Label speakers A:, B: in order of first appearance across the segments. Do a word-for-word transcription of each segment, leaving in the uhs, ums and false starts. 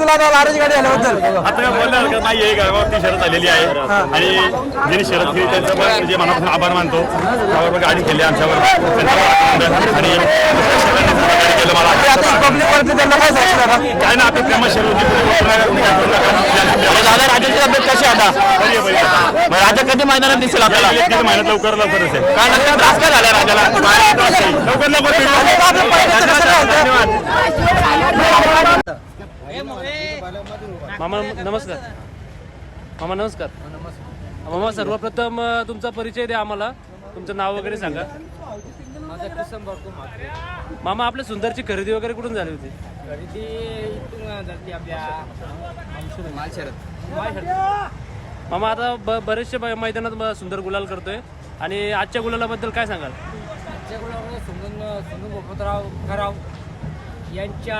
A: तुला लाराची गाडी आल्याबद्दल?
B: आता काय बोलणार हरकत नाही आहे, गावावरती शरद आलेली आहे आणि ज्यांनी शरद केली त्यांचं पण म्हणजे मनापासून आभार मानतो. त्यावर गाडी केली आमच्यावर आणि केलं मला
A: पब्लिक वरती त्यांना काय सांगणार?
B: काय ना आता प्रेमा शरद
C: दादा राजाची तब्येत कशी आता? राजा कधी मैदानात दिसेल आपल्याला?
B: महिन्यात लवकर लवकर असेल.
C: काय नंतर त्रास काय झाला राजाला?
B: लवकर लवकर
D: मामा नमस्कार. मामा नमस्कार. मामा सर्वप्रथम तुमचा परिचय द्या आम्हाला, तुमचं नाव वगैरे सांगा. मामा आपल्या सुंदरची खरेदी वगैरे कुठून झाली होती?
E: खरेदी इथून जाते आपल्या
D: मामा आता ब बरेचसे मैदानात ब- सुंदर गुलाल करतोय आणि आजच्या गुलालाबद्दल काय सांगाल?
E: आजच्या गुलामध्ये सुंदर सुंदर गोपतराव खराव यांच्या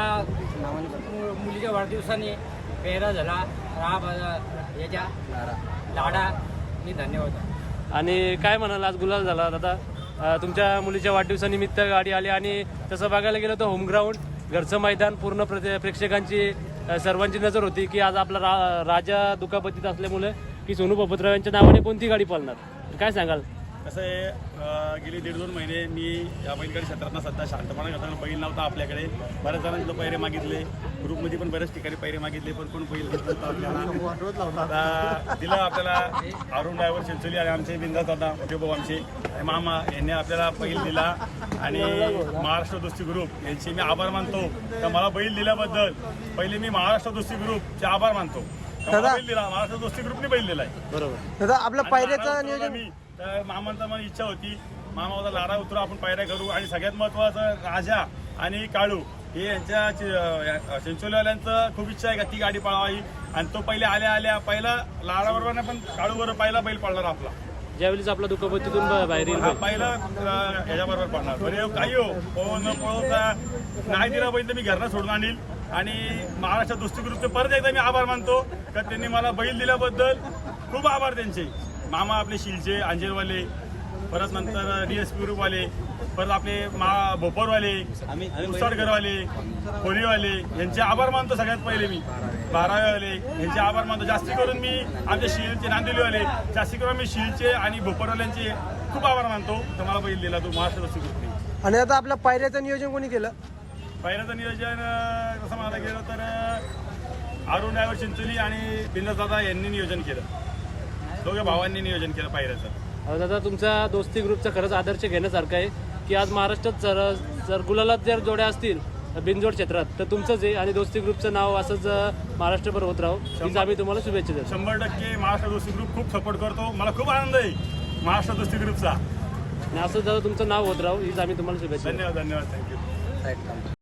E: मु- मुलीच्या वाढदिवसाने पेहरा झाला. राब याच्या लाडा मी धन्यवाद.
D: आणि काय म्हणाल आज गुलाल झाला दादा? अ, तुमच्या मुलीच्या वाढदिवसानिमित्त गाडी आली आणि तसं बघायला गेलं तर होम ग्राउंड घरचं मैदान पूर्ण प्रे प्रेक्षकांची अ, सर्वांची नजर होती की आज आपला रा राजा दुखापतीत असल्यामुळे की सोनू बापतराव यांच्या नावाने कोणती गाडी पळणार, काय सांगाल?
B: कसं आहे, गेली दीड दोन महिने मी या बैलगाडी क्षेत्रात सध्या शांतपणा करताना बैल नव्हता आपल्याकडे. बऱ्याच जणांनी पैरे मागितले, ग्रुपमध्ये पण बऱ्याच ठिकाणी पैरे मागितले, पण कोण बैल घेत नव्हता आपल्याला. आता दिलं आपल्याला अरुण ड्रायव्हर चिंचोली आणि आमचे बिंदास दादा मोठे भाऊ आमचे मामा यांनी आपल्याला बैल दिला आणि महाराष्ट्र दोस्ती ग्रुप यांचे मी आभार मानतो. तर मला बैल दिल्याबद्दल पहिले मी महाराष्ट्र दोस्ती ग्रुपचे आभार मानतो. बैल दिला महाराष्ट्र दोस्ती ग्रुपने बैल दिलाय.
D: बरोबर.
A: दादा आपलं पायऱ्याचं नियोजन?
B: मी तर मामांचा मला इच्छा होती, मामा होता लारा उतरू आपण पायऱ्या करू आणि सगळ्यात महत्वाचं राजा आणि काळू हे यांच्या चिंचोलीवाल्यांचं खूप इच्छा आहे का ती गाडी पळवावी आणि तो पहिले आल्या आल्या पहिला लारा बरोबर नाही पण काळू बरोबर पहिला बैल पळणार आपला.
D: ज्यावेळेस आपला दुखापतीतून ब- बाहेर येईल
B: हा पहिला ह्याच्याबरोबर पडणार. बरे काही हो पळवून पळवता नाही दिला बैल तर मी घरनं सोडून आणील. आणि महाराष्ट्र दोस्ती ग्रुपचे परत एकदा मी आभार मानतो तर त्यांनी मला बैल दिल्याबद्दल खूप आभार त्यांचे. मामा आपले शिलचे अंजेरवाले, परत नंतर डी एस पी ग्रुपवाले, परत आपले मा भोपरवाले, मुसळगरवाले, होलीवाले यांचे आभार मानतो सगळ्यात पहिले मी. बारावेवाले यांचे आभार मानतो. जास्ती करून मी आमच्या शिलचे नांदिवलीवाले जास्ती करून मी शिलचे आणि भोपरवाल्यांचे खूप आभार मानतो. तर मला बैल दिला तो महाराष्ट्र दोस्ती ग्रुपने.
A: आणि आता आपल्या पायऱ्याचं नियोजन कोणी केलं?
B: पहिल्याचं नियोजन कसं म्हणायला गेलं तर अरुण ड्रायव्हर चिंचोली आणि बिंदास दादा यांनी नियोजन केलं. दोघे भावांनी नियोजन केलं पायऱ्याचं.
D: अहो दादा तुमचा दोस्ती ग्रुपचा खरंच आदर्श घेण्यासारखं आहे की आज महाराष्ट्रात जर जर गुलालात जर जोड्या असतील बिनजोड क्षेत्रात तर तुमचंच आहे आणि दोस्ती ग्रुपचं नाव असंच महाराष्ट्रभर होत राहू हीच आम्ही तुम्हाला शुभेच्छा देतो.
B: शंभर टक्के महाराष्ट्र दोस्ती ग्रुप खूप सपोर्ट करतो. मला खूप आनंद आहे महाराष्ट्र दोस्ती ग्रुपचा.
D: आणि असंच दादा तुमचं नाव होत राहू हीच आम्ही तुम्हाला शुभेच्छा देतो.
B: धन्यवाद धन्यवाद थँक्यू.